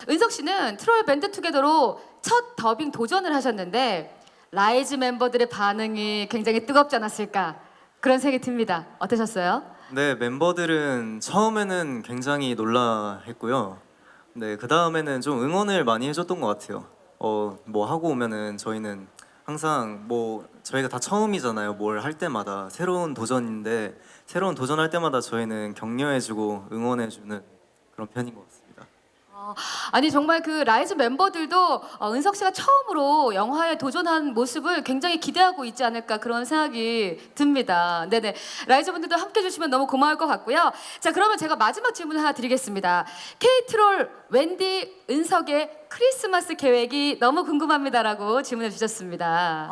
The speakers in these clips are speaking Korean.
은석 씨는 트롤 밴드 투게더로 첫 더빙 도전을 하셨는데 라이즈 멤버들의 반응이 굉장히 뜨겁지 않았을까 그런 생각이 듭니다. 어떠셨어요? 네, 멤버들은 처음에는 굉장히 놀라했고요. 네, 그 다음에는 좀 응원을 많이 해줬던 것 같아요. 뭐 하고 오면은 저희는 항상 뭐 저희가 다 처음이잖아요. 뭘 할 때마다 새로운 도전인데 새로운 도전할 때마다 저희는 격려해주고 응원해주는 그런 편인 것 같습니다. 아니 정말 그 라이즈 멤버들도 은석 씨가 처음으로 영화에 도전한 모습을 굉장히 기대하고 있지 않을까 그런 생각이 듭니다. 네네. 라이즈 분들도 함께 해주시면 너무 고마울 것 같고요. 자 그러면 제가 마지막 질문 하나 드리겠습니다. K-트롤 웬디 은석의 크리스마스 계획이 너무 궁금합니다라고 질문해 주셨습니다.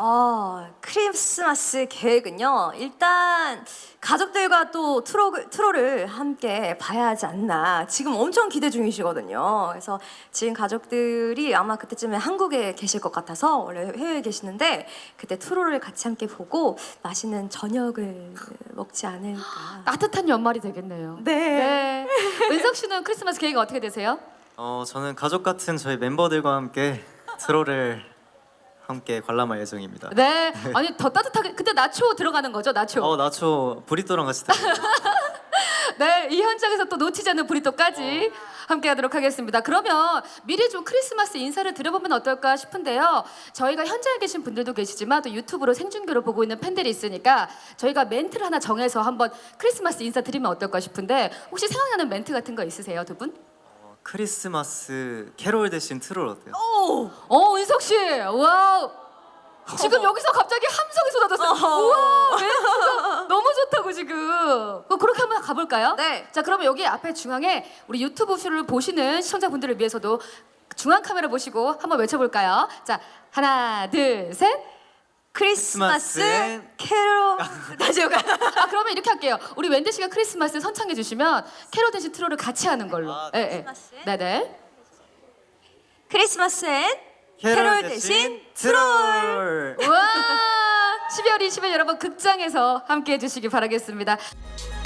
크리스마스 계획은요. 일단 가족들과 또 트롤을 함께 봐야 하지 않나. 지금 엄청 기대 중이시거든요. 그래서 지금 가족들이 아마 그때쯤에 한국에 계실 것 같아서 원래 해외에 계시는데 그때 트롤을 같이 함께 보고 맛있는 저녁을 먹지 않을까. 따뜻한 연말이 되겠네요. 네. 은석 씨는 크리스마스 계획이 어떻게 되세요? 저는 가족 같은 저희 멤버들과 함께 트롤을 함께 관람할 예정입니다. 네. 아니 더 따뜻하게 그때 나초 들어가는 거죠? 나초. 나초 브리또랑 같이 드세요. 네, 이 현장에서 또 놓치지 않는 브리또까지 함께하도록 하겠습니다. 그러면 미리 좀 크리스마스 인사를 드려보면 어떨까 싶은데요. 저희가 현장에 계신 분들도 계시지만 또 유튜브로 생중계로 보고 있는 팬들이 있으니까 저희가 멘트를 하나 정해서 한번 크리스마스 인사 드리면 어떨까 싶은데 혹시 생각나는 멘트 같은 거 있으세요, 두 분? 크리스마스 캐롤 대신 트롤 어때요? 은석 씨, 와우. 지금 여기서 갑자기 함성이 쏟아졌어요. 우와, 멘트가 너무 좋다고 지금. 그렇게 한번 가볼까요? 네. 자, 그러면 여기 앞에 중앙에 우리 유튜브 쇼를 보시는 시청자분들을 위해서도 중앙 카메라 보시고 한번 외쳐볼까요? 자, 하나, 둘, 셋. 크리스마스 크리스마스엔 캐롤 다시 올까요? 그러면 이렇게 할게요. 우리 wendy 씨가 크리스마스 선창해 주시면 캐롤 대신 트롤을 같이 하는 걸로. 예, 예. 크리스마스엔? 네네. 크리스마스엔 캐롤 대신 트롤. 우와! 12월 20일 여러분 극장에서 함께 해주시기 바라겠습니다.